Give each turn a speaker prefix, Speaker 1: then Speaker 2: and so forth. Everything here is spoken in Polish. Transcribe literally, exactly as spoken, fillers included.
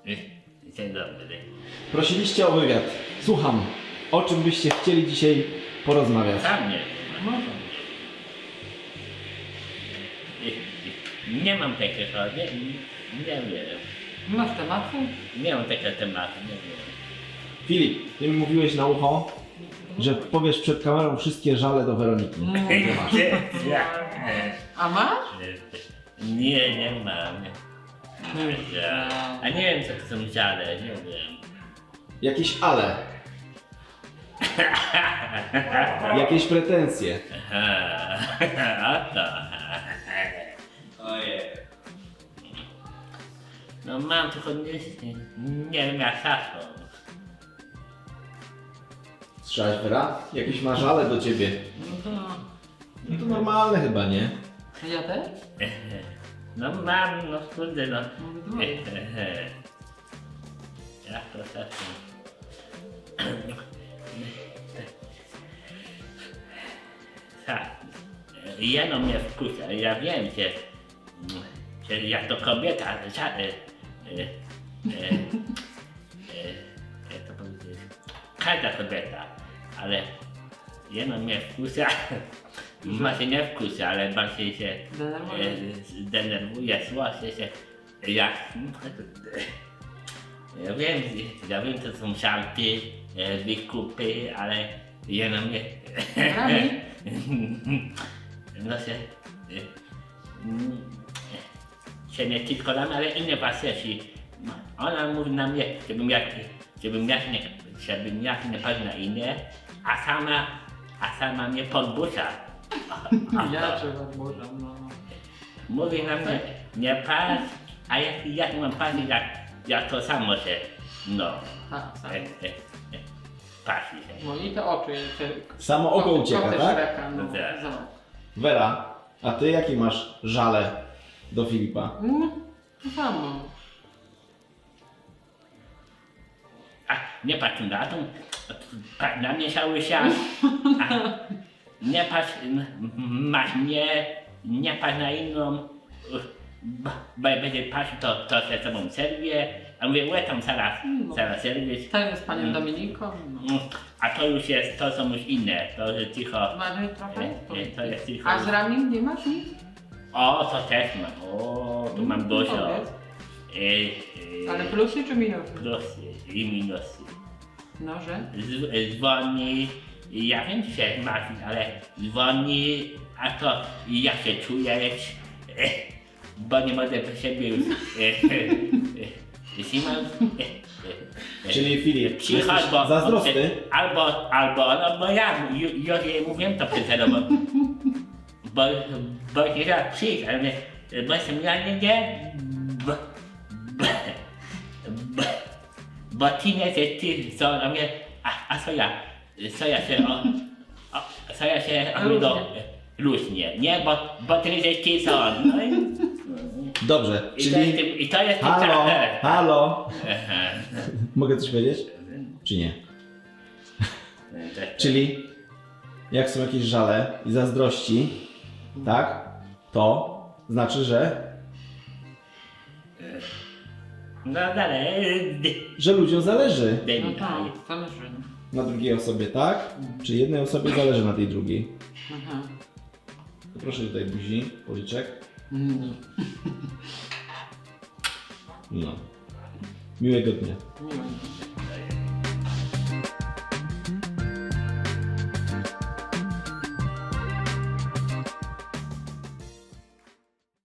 Speaker 1: Dzień dobry.
Speaker 2: Prosiliście o wywiad. Słucham. O czym byście chcieli dzisiaj porozmawiać?
Speaker 1: Sam nie. Nie mam takiego, nie, nie wiem.
Speaker 3: Nie masz tematu?
Speaker 1: Nie mam takiego tematu, nie wiem.
Speaker 2: Filip, ty mi mówiłeś na ucho, że powiesz przed kamerą wszystkie żale do Weroniki.
Speaker 3: Nie masz. A masz?
Speaker 1: Nie, nie mam. A nie wiem co to są żale, nie wiem.
Speaker 2: Jakieś ale. Jakieś pretensje.
Speaker 1: Aha, o to.
Speaker 4: Ojej.
Speaker 1: No mam tylko nie, nie wiem jak hasło.
Speaker 2: Słyszałeś, Wera? Jakieś ma żale do ciebie.
Speaker 3: No to...
Speaker 2: No to normalne chyba, nie?
Speaker 3: Ja też?
Speaker 1: No mam, no kurde no.
Speaker 3: Mówię dwoje.
Speaker 1: Jak to tak? Tak. Jeno mnie wkurza, ja wiem, że, że jak to kobieta, ża, e, e, e, e, jak to powiedzieć, każda kobieta, ale jeno mnie wkurza, może nie wkurza, ale bardziej się
Speaker 3: Denerwuje.
Speaker 1: e, denerwuje, słoszy się, jak, ja wiem, ja wiem, to są żarty, e, wykupy, ale jeno mnie
Speaker 3: Rami?
Speaker 1: no się, y, mm, się nie tylko nam, ale inne faceci. Ona mówi na mnie, żebym jak, żebym jak nie, żebym jak nie patrzył na inne, a sama, a sama mnie podbusza.
Speaker 3: Ja trzeba odburzam, no.
Speaker 1: Mówi na mnie, nie patrz, a jak, jak mam patrzeć, jak, jak to samo się, no,
Speaker 3: Tak, sam.
Speaker 1: e, e, e, patrzy się.
Speaker 3: No i te oczy, te...
Speaker 2: Samo oko
Speaker 3: koty-
Speaker 2: ucieka,
Speaker 3: koty
Speaker 2: tak?
Speaker 3: Shreka, no.
Speaker 1: No tak.
Speaker 3: Zobacz.
Speaker 2: Wera, a ty jakie masz żale do Filipa?
Speaker 3: No, to samo.
Speaker 1: A nie patrz na to, patrz na mnie cały czas. A nie patrz, m- m- masz mnie, nie patrz na inną, bo, bo jak będzie patrzył, to, to się z tobą serwie. A mówię, łe tam zaraz,
Speaker 3: No.
Speaker 1: zaraz serwieć.
Speaker 3: Ten jest panią
Speaker 1: Mm.
Speaker 3: Dominiką, no.
Speaker 1: Mm, A to już jest, to są już inne, to że cicho.
Speaker 3: Mamy trochę?
Speaker 1: Nie, nie, to jest cicho.
Speaker 3: A z rami nie masz nic?
Speaker 1: O, to też mam, o, tu mam dużo.
Speaker 3: Powiedz.
Speaker 1: E, e,
Speaker 3: Ale plusy czy minusy?
Speaker 1: Plusy i minusy.
Speaker 3: No, że?
Speaker 1: Z, dzwoni, ja wiem, że Marcin, ale dzwoni, a to jak się czujesz, e, bo nie mogę po siebie już e, e, e, Simon, e, e,
Speaker 2: Czyli Filip,
Speaker 1: przychodź,
Speaker 2: jesteś
Speaker 1: bo
Speaker 2: zazdrosny?
Speaker 1: albo, albo, no bo ja ju, już jej mówiłem to przed chwilą, bo, bo, bo nie raz przyjść, ale mnie, bo jestem ja nie, nie, bo, bo, bo, bo ty nie jesteś ty, co na mnie, a, a co ja, co ja się, o, o, co ja się, o,
Speaker 3: Luźnie.
Speaker 1: do, luźnie, nie, bo, bo ty jesteś ty, co on, no i,
Speaker 2: Dobrze,
Speaker 1: i to jest,
Speaker 2: czyli...
Speaker 1: i to jest
Speaker 2: Halo, halo.
Speaker 1: Aha.
Speaker 2: Mogę coś powiedzieć? Czy nie? Czyli jak są jakieś żale i zazdrości, tak? To znaczy, że,
Speaker 1: No dalej,
Speaker 2: że ludziom zależy
Speaker 3: No
Speaker 1: Demi,
Speaker 3: tak, zależy.
Speaker 2: na drugiej osobie, tak? Czy jednej osobie zależy na tej drugiej?
Speaker 3: Aha.
Speaker 2: To proszę tutaj buzi, policzek.
Speaker 3: Mm.
Speaker 2: No. Miłego dnia.
Speaker 3: Miło.